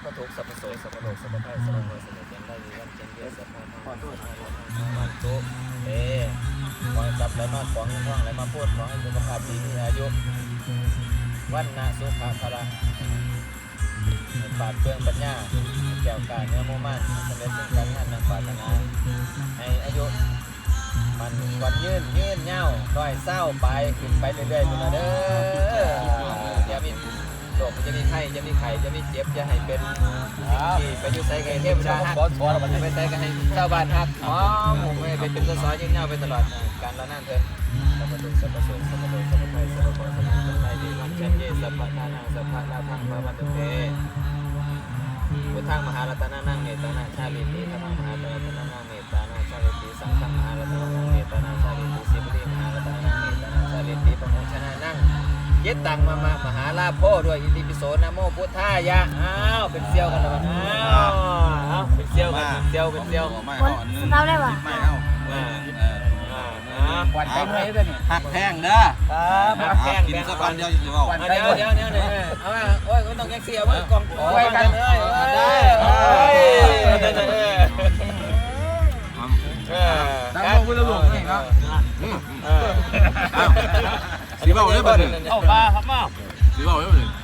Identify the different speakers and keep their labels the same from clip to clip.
Speaker 1: พทุกข์สัพพโสสัพพโลกสัพพไพสัพพโมสัพพเจนได้วันเจนเดียสัพพะธรรมวันตุขอให้ทรัพย์ไหลมาของเงินทองไหลมาพูดขอให้สุขภาพดีมีอายุวันนะสุขะพละปราดเปรื่องปัญญาแก้วกาเนื้อมุ่งมั่นสำเร็จซึ่งการงานดังปรารถนาให้อายุมันวันยืนเงาร้อยเศร้าไปขึ้นไปเรื่อยๆคุณเด้ออย่ามีโรคจะมีไข้จะมีไข่จะมีเจ็บจะให้เป็นที่ไปยุ่ใส่ไก่เทพดาฮักไปใส่กันให้ชาวบ้านฮักอ๋อผมไม่เป็นสอยเงาไปตลอดการละนั่นเถิดสัพพะตุสัพพะโสสัพพะโลสัพพะไพสัพพะโมสัพพะสัพพะดีวันชันเยสัพพะทานังสัพพะลาภังพระวันตุเตพุทธังมหารัตนานังเมตานาชาลิติธรรมังมหารัตนานังเมตานาชาลิติสังฆังมหารัตนานังเมตานาชาลิติสิบริมหารัตนานังเมตานาชาลิติปะโมชนะนังเยตังมหาลาโภด้วยอิติปิโสนะโมพุทธายะอ้าวเป็นเซี่ยวกันแล้วอ้าวเป็นเซี่ยวกันเป็นเซี่ยว
Speaker 2: คนเราได้ป่ะ
Speaker 3: ไม่เอา
Speaker 1: วันไปไหนกันนี่
Speaker 3: หักแพงเด้อ
Speaker 1: ครับแพง
Speaker 3: กินสักวันเดียวจะบอก
Speaker 1: เดี๋ยวเอามาโอ้ยก็ต้องแยกเสียว่ากองไว้กันเลยได้
Speaker 3: ตั้งมือละหลวงนี่ครับสีเบาได้ป่ะเนี่ย
Speaker 1: เอาปลาครับมา
Speaker 3: สีเบาได้ป่ะเนี่ย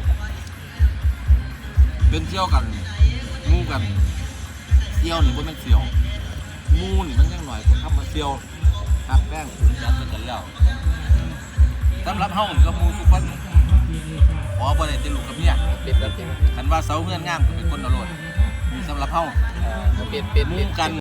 Speaker 3: เป็นเที่ยวกันงูกันเที่ยวนี่มันเป็นเที่ยวงูนี่มันยังหน่อยคนทำมาเที่ยวหักแป้งถูกยัดกันแล้วสำหรับเฮาก็มูทุกคนขอบ่ได้ติดลูกกับเมีย
Speaker 1: ปิดแล้วปิด
Speaker 3: คันว่าเสาเฮือนงามก็เป็นคนเอาโลดสำหรับเฮา
Speaker 1: ปิด
Speaker 3: มูกัน